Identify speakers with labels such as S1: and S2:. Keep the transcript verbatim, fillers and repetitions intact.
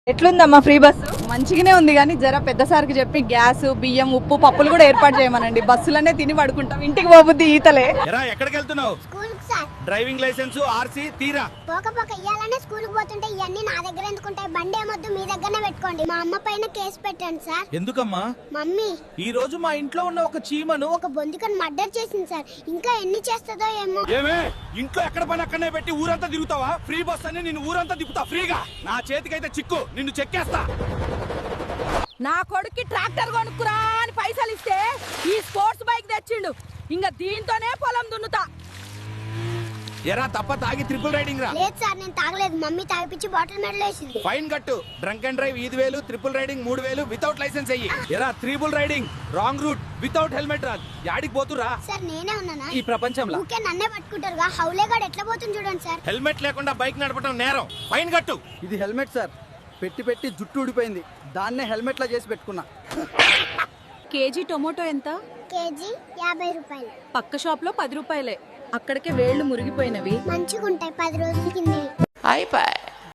S1: ఎట్లుందమ్మా free bus?
S2: మంచిగానే ఉంది కానీ జర పెద్ద సార్కి చెప్పి గ్యాస్ బియ్యం ఉప్పు పప్పులు కూడా ఏర్పాటు చేయమనండి. బస్సులనే తిని పడుకుంటాం, ఇంటికి పోబుద్ది ఈతలే.
S3: ఎరా ఎక్కడికి వెళ్తున్నావు?
S4: School sir.
S3: Driving licence RC తీరా.
S4: పోక పోక ఇయ్యాలనే స్కూల్ కి పోతుంటే ఇవన్నీ నా దగ్గర ఎందుకుంటాయి? బండి ఏమొద్దు, మీ దగ్గరనే పెట్టుకోండి. మా అమ్మ పైన కేసు పెట్టండి సార్.
S3: ఎందుకమ్మా?
S4: మమ్మీ
S3: ఈ రోజు మా ఇంట్లో ఉన్న ఒక చీమను
S4: ఒక బొందికను మర్డర్ చేసింది సార్. ఇంకా ఎన్ని చేస్తుందో ఏమో.
S3: ఏమే ఇంట్లో ఎక్కడ పని అక్కడనే పెట్టి ఊరంతా తిరుగుతావా? ఫ్రీ బస్ అని నిన్ను ఊరంతా తిప్పుతా ఫ్రీగా. నా చేతికైతే చిక్కు, నిన్ను చెక్కేస్తా.
S2: నా కొడుక్కి ట్రాక్టర్ కొనుక్కురా అని పైసలు ఇస్తే ఈ స్పోర్ట్స్ బైక్ తెచ్చిండు. ఇంకా దీంతోనే పొలం దున్నుతా.
S3: ఎరా తప్ప తాగి ట్రిపుల్ రైడింగ్ రా.
S4: లేదు సార్, నేను తాగలేదు. మమ్మీ తాగిపిచ్చి బాటిల్ మెడలో వేసింది.
S3: ఫైన్ కట్టు. డ్రంక్ అండ్ డ్రైవ్ ఐదు వేలు, ట్రిపుల్ రైడింగ్ మూడు వేలు, వితౌట్ లైసెన్స్ అయ్యి. ఎరా triple riding wrong route, without helmet రా. యాడికి పోతురా?
S4: సార్ నేనే ఉన్నానా
S3: ఈ ప్రపంచంలో?
S4: ఊకే నన్నే పట్టుకుంటారుగా. హౌలేగాడు ఎట్లా పోతుంది చూడండి సార్.
S3: హెల్మెట్ లేకుండా బైక్ నడపడం నేరం. ఫైన్ కట్టు.
S5: ఇది హెల్మెట్ సార్, పెట్టి పెట్టి జుట్టు ఊడిపోయింది, దాన్నే హెల్మెట్ లా చేసి పెట్టుకున్నా.
S2: కేజీ టొమాటో ఎంత?
S4: కేజీ యాభై రూపాయలు.
S2: పక్క షాప్ లో పది రూపాయలే. అక్కడికే వేళ్లు మురిగిపోయినవి.
S4: మంచిగా ఉంటాయి, పది రోజుల కింద.
S6: అయిపోయి